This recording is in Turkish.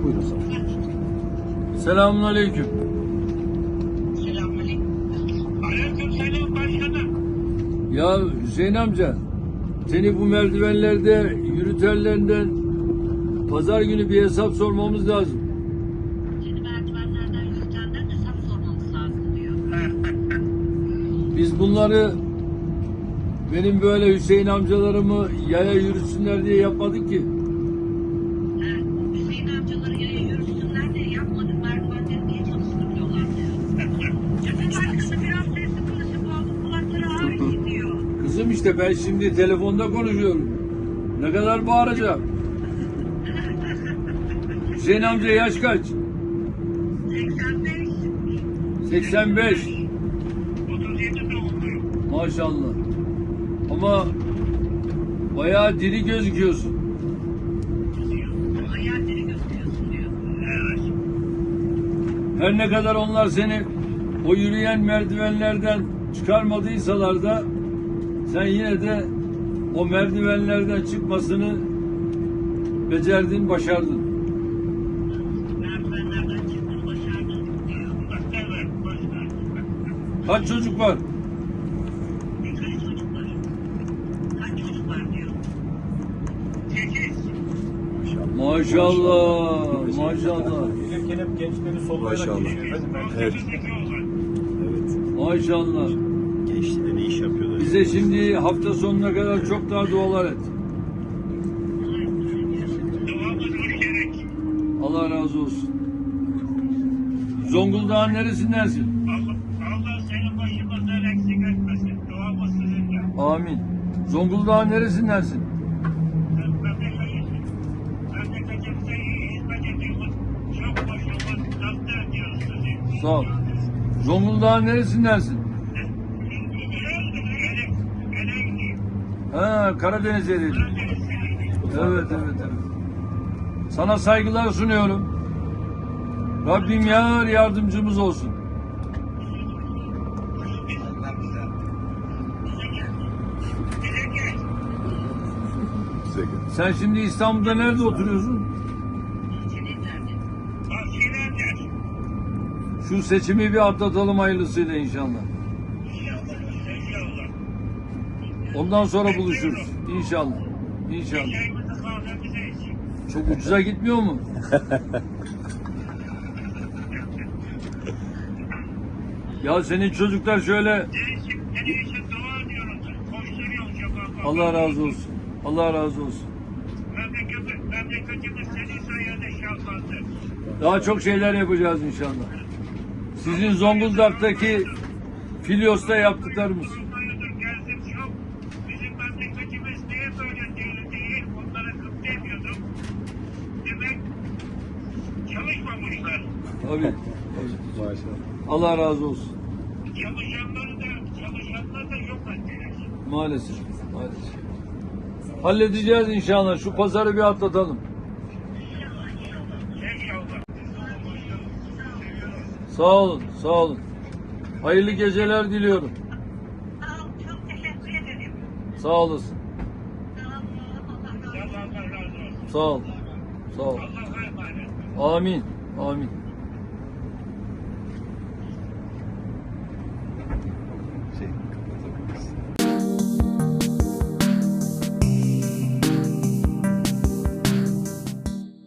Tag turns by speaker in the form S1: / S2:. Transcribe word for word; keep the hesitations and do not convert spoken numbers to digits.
S1: Buyurun.
S2: Selamünaleyküm.
S3: Selamünaleyküm. Aleykümselam başkanım.
S2: Ya Hüseyin amca, seni bu merdivenlerde yürütenlerinden pazar günü bir hesap sormamız lazım.
S3: Seni merdivenlerden yürütenden hesap sormamız lazım diyor.
S2: Biz bunları benim böyle Hüseyin amcalarımı yaya yürütsünler diye yapmadık ki.
S3: Ha, Hüseyin amcaları yaya yürüsünler diye yapmadık. Merdivenleri niye çalıştırmıyorlar diyor. Canım başkanı biraz sesli konuşup oğlum kulakları ağrıyor diyor.
S2: Kızım işte ben şimdi telefonda konuşuyorum. Ne kadar bağıracağım? Hüseyin amca yaş kaç?
S3: seksen beş.
S2: seksen beş.
S3: otuz yedi doğumluyum.
S2: Maşallah. Ama bayağı diri gözüküyorsun.
S3: Hayalleri gösteriyorsun diyor. Evet.
S2: Her ne kadar onlar seni o yürüyen merdivenlerden çıkarmadıysalar da sen yine de o merdivenlerden çıkmasını becerdin, başardın.
S3: Merdivenlerden çıktım başardım diyor. Evet başkanım.
S2: Kaç çocuk var?
S3: Kaç çocuk var? Kaç çocuk var diyor. Sekiz.
S2: Maşallah, maşallah,
S1: Gelirken hep gençleri sollayarak
S4: Maşallah.
S1: geçiyor efendim.
S4: Evet. Evet.
S2: maşallah.
S4: Gençliğinde ne iş yapıyorlar?
S2: Bize şimdi hafta sonuna kadar çok daha dualar et.
S3: Duamız müşterek.
S2: Allah razı olsun. Zonguldak'ın neresindensin?
S3: Allah, Allah senin başımızdan eksik etmesin. Duamız sizinle.
S2: Amin. Zonguldak'ın neresindensin?
S3: Memleketimize memleketimize iyi hizmet ediyoruz. Çok başarılı takdir ediyoruz sizi.
S2: Sağ ol. Zonguldak'ın neresindensin?
S3: Elek, elek,
S2: Ha, Karadeniz yeri. Evet, evet, evet. Sana saygılar sunuyorum. Rabbim yar yardımcımız olsun.
S4: Size göre.
S2: Sen şimdi İstanbul'da nerede oturuyorsun?
S3: Bahçelerdir.
S2: Şu seçimi bir atlatalım hayırlısıyla inşallah.
S3: İnşallah, inşallah.
S2: Ondan sonra buluşuruz. İnşallah. İnşallah.
S3: Çayımızı kahvemizi için.
S2: Çok ucuza gitmiyor mu? Ya senin çocuklar şöyle
S3: Değişik, senin için dua ediyoruz. Koşturuyoruz şafakla.
S2: Allah razı olsun. Allah razı olsun.
S3: Memleketimiz, memleketimiz senin sayende şahlandı.
S2: Daha çok şeyler yapacağız inşallah. Sizin Zonguldak'taki Filyos'ta yaptıklarımız.
S3: Hayırdır geldim çok. Bizim memleketimiz niye böyle değil değil. Onlara kıp demiyordum. Demek çalışmamışlar.
S2: Tabii. tabii.
S4: Maşallah.
S2: Allah razı olsun.
S3: Çalışanları da, çalışanları da yok ettiler.
S2: Maalesef. Maalesef. Halledeceğiz inşallah. Şu pazarı bir atlatalım.
S3: İnşallah.
S2: Sağ olun. Sağ olun. Hayırlı geceler diliyorum.
S3: Sağ ol, çok teşekkür ederim.
S2: Sağ olasın.
S3: Allah razı olsun.
S2: Sağ ol. Sağ ol.
S3: Allah'a emanet.
S2: Amin. Amin.